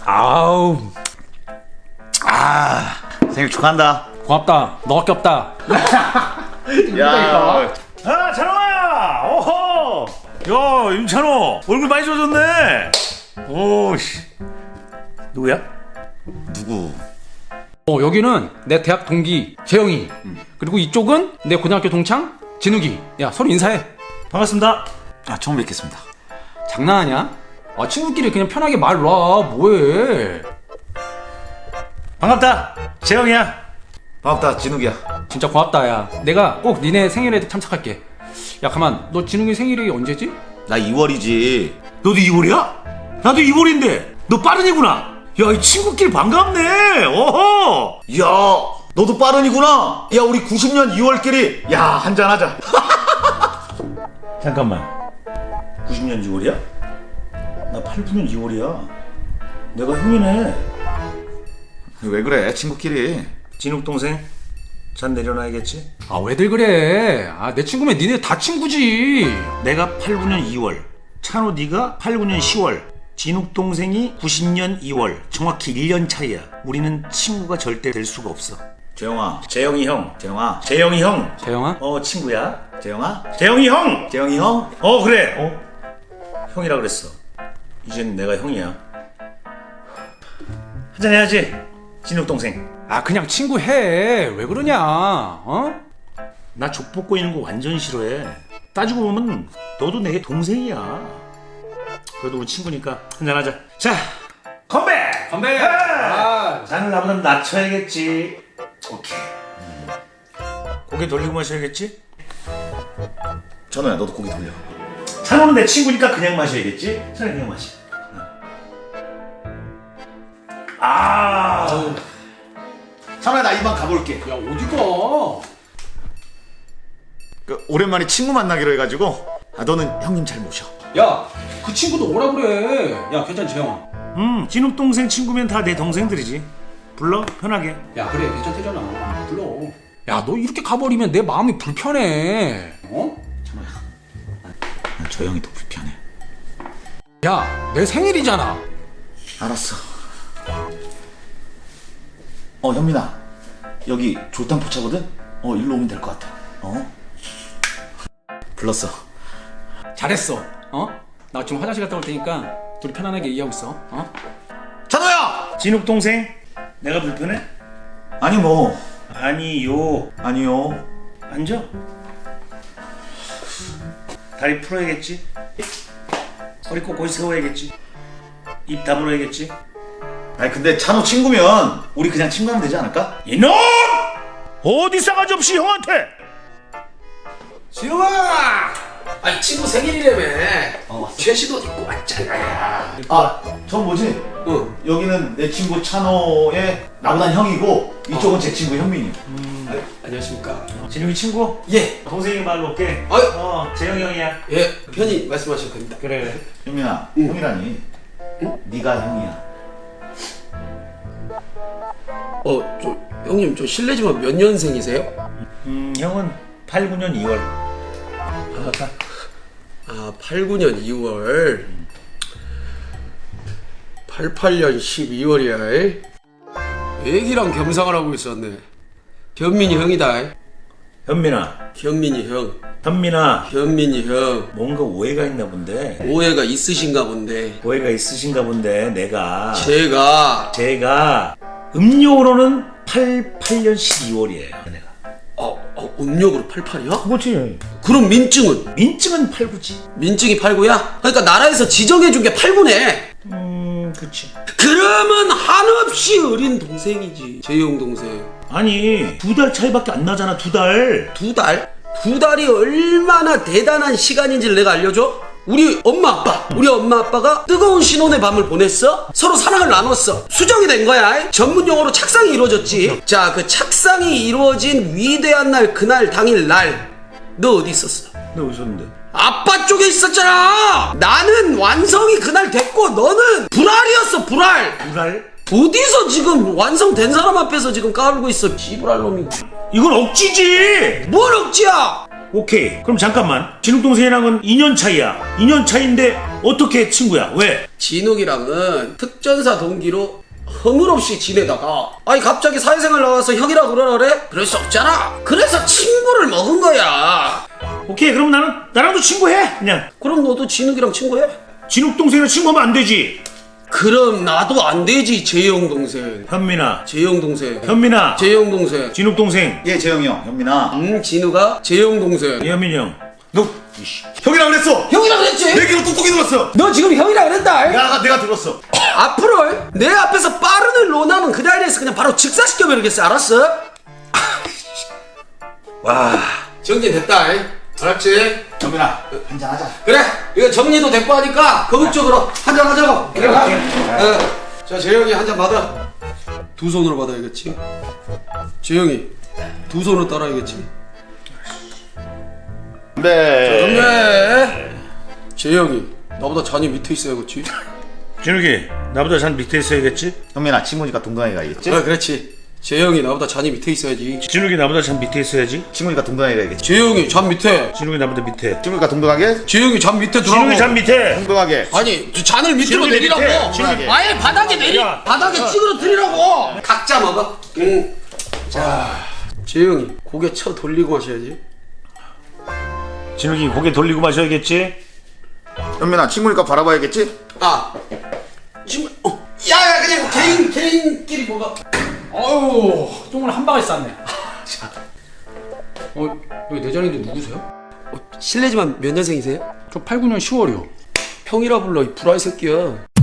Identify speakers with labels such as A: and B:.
A: 아우.
B: 생일 축하한다.
A: 고맙다. 너밖에 없다.
B: 야,
C: 찬호야! 오호! 야, 윤찬호! 얼굴 많이 좋아졌네! 오씨. 누구야?
B: 누구?
A: 여기는 내 대학 동기 재영이. 그리고 이쪽은 내 고등학교 동창 진욱이. 야, 서로 인사해.
C: 반갑습니다.
B: 처음 뵙겠습니다.
A: 장난하냐? 친구끼리 그냥 편하게 말 놔. 뭐해?
C: 반갑다. 재영이야.
B: 반갑다, 진욱이야.
A: 진짜 고맙다. 야, 내가 꼭 니네 생일에 참석할게. 야, 가만. 너 진욱이 생일이 언제지?
B: 나 2월이지.
C: 너도 2월이야? 나도 2월인데. 너 빠른이구나. 야, 이 친구끼리 반갑네. 오호!
B: 야, 너도 빠른이구나. 야, 우리 90년 2월끼리 야, 한잔하자.
C: 잠깐만. 90년 6월이야? 나 89년 2월이야. 내가 형이네.
B: 왜 그래, 친구끼리.
C: 진욱 동생, 잔 내려놔야겠지?
A: 왜들 그래? 내 친구면 니네 다 친구지.
C: 내가 89년 2월, 찬호 네가 89년 10월, 진욱 동생이 90년 2월. 정확히 1년 차이야. 우리는 친구가 절대 될 수가 없어.
B: 재영아,
C: 재영이 형.
B: 재영아,
C: 재영이 형.
A: 재영아?
C: 친구야.
B: 재영아,
C: 재영이 형.
B: 재영이 형.
C: 그래. 형이라 그랬어. 이젠 내가 형이야. 한잔 해야지. 진욱 동생.
A: 그냥 친구 해. 왜 그러냐?
C: 나 족보 꼬이는 거 완전 싫어해. 따지고 보면 너도 내 동생이야. 그래도 우리 친구니까 한잔하자. 자, 건배!
A: 건배!
C: 잔을 나보다 낮춰야겠지. 오케이. 고개 돌리고 마셔야겠지?
B: 전호야, 너도 고기 돌려.
C: 찬호는 내 친구니까 그냥 마셔야겠지? 찬호 그냥 마셔.
B: 찬호야, 나 이만 가볼게.
A: 야, 어디가?
B: 오랜만에 친구 만나기로 해가지고 너는 형님 잘 모셔.
A: 야, 그 친구도 오라 그래. 야, 괜찮지, 재영아?
C: 진욱 동생 친구면 다 내 동생들이지. 불러, 편하게.
A: 야, 그래, 괜찮대잖아. 불러. 야, 너 이렇게 가버리면 내 마음이 불편해.
B: 찬호야, 난 저 형이 더 불편해.
A: 야, 내 생일이잖아.
B: 알았어. 현민아, 여기 졸당포차거든? 일로 오면 될 것 같아. 불렀어.
A: 잘했어. 나 지금 화장실 갔다 올 테니까 둘이 편안하게 얘기하고 있어.
B: 찬호야!
C: 진욱 동생, 내가 불편해?
B: 아니 뭐.
C: 아니요.
B: 아니요.
C: 앉아. 다리 풀어야겠지? 허리 꼿꼿이 세워야겠지? 입 다물어야겠지?
B: 아니 근데 찬호 친구면 우리 그냥 친구하면 되지 않을까?
C: 이놈! 어디 싸가지 없이 형한테!
D: 진우아! 아니 친구 생일이라며 최신 옷 입고 왔잖아.
B: 저 뭐지?
D: 응.
B: 여기는 내 친구 찬호의 나보단 형이고 이쪽은 제 친구 현민이.
D: 안녕하십니까.
C: 진욱이 친구?
D: 예.
C: 동생이 말로 올게.
D: 아유.
C: 재영이 형이야.
D: 예 편히 말씀하셔도 됩니다.
C: 그래.
B: 현민아, 형이라니. 네가 형이야.
D: 저 형님 저 실례지만 몇 년생이세요?
C: 형은 89년 2월.
D: 89년 2월 88년 12월이야. 애기랑 겸상을 하고 있었네. 현민이 형이다.
C: 현민아.
D: 현민이 형.
C: 현민아.
D: 현민이 형.
C: 뭔가 오해가 있나 본데.
D: 오해가 있으신가 본데.
C: 오해가 있으신가 본데 내가
D: 제가
C: 음력으로는 88년 12월이에요. 내가.
D: 음력으로 88이야?
C: 그렇지.
D: 그럼 민증은?
C: 민증은 89지.
D: 민증이 89야? 그러니까 나라에서 지정해준 게 89네.
C: 그렇지.
D: 그러면 한없이 어린 동생이지. 재용 동생.
C: 아니 2달 차이밖에 안 나잖아. 2달.
D: 2달? 2달이 얼마나 대단한 시간인지를 내가 알려줘? 우리 엄마 아빠가 뜨거운 신혼의 밤을 보냈어. 서로 사랑을 나눴어. 수정이 된 거야. 전문 용어로 착상이 이루어졌지. 자, 그 착상이 이루어진 위대한 날, 그날 당일 날 너 어디 있었어?
C: 너 어디 있었는데?
D: 아빠 쪽에 있었잖아. 나는 완성이 그날 됐고 너는 불알이었어. 불알.
C: 불알?
D: 어디서 지금 완성된 사람 앞에서 지금 까불고 있어. 씨부랄 놈이.
C: 이건 억지지.
D: 뭘 억지야?
C: 오케이. 그럼 잠깐만. 진욱 동생이랑은 2년 차이야. 2년 차인데 어떻게 친구야? 왜?
D: 진욱이랑은 특전사 동기로 허물없이 지내다가 아니 갑자기 사회생활 나와서 형이라 그러라 그래? 그럴 수 없잖아. 그래서 친구를 먹은 거야.
C: 오케이. 그럼 나랑도 친구해. 그냥
D: 그럼 너도 진욱이랑 친구해?
C: 진욱 동생이랑 친구하면 안 되지.
D: 그럼 나도 안 되지. 재영 동생.
C: 현민아.
D: 재영 동생.
C: 현민아.
D: 재영 동생.
C: 진욱 동생.
B: 예, 재영이 형, 현민아.
D: 진우가 재영 동생.
C: 현민이 형.
B: 너 형이라 그랬어.
D: 형이라 그랬지?
B: 내 귀로 똑똑히 들었어.
D: 너 지금 형이라 그랬다.
B: 내가 들었어.
D: 앞으로 내 앞에서 빠른을 논하면 그 자리에서 그냥 바로 직사시켜버리겠어. 알았어? 와, 정리됐다. 알았지?
B: 현민아, 한잔 하자.
D: 그래, 이거 정리도 됐고 하니까 거국적으로 한잔 하자고. 그래, 가. 자, 재영이 한잔 받아. 두 손으로 받아야겠지. 재영이 두 손으로 따라야겠지.
B: 네.
D: 건배. 재영이 나보다 잔이 밑에 있어야겠지.
C: 진욱이 나보다 잔 밑에 있어야겠지?
B: 현민아, 친구니까 동강이 가야겠지?
D: 그렇지. 재영이 나보다 잔이 밑에 있어야지.
C: 진욱이 나보다 잔 밑에 있어야지.
B: 친구니까 동강이 가야겠지?
D: 재영이 잔 밑에.
C: 진욱이 나보다 밑에.
B: 친구니까 동등하게?
D: 재영이 잔 밑에 들어가고.
C: 진욱이 잔 밑에.
B: 동등하게.
D: 아니 저 잔을 밑으로
C: 진욱이
D: 내리라고.
C: 밑에, 진욱이.
D: 아예 바닥에 내리.
C: 야.
D: 바닥에 찌그러뜨리라고. 각자 먹어. 응. 자, 재영이 고개 쳐 돌리고 마셔야지.
C: 진욱이 고개 돌리고 마셔야겠지?
B: 현민아, 친구니까 바라봐야겠지?
D: 아, 지금 야야 그냥 개인끼리 먹어.
A: 어우, 똥을 한 방울 쌌네. 여기 내 자리인데 누구세요?
D: 실례지만 몇 년생이세요?
A: 저 89년 10월이요.
D: 평이라 불러 이 불알 새끼야.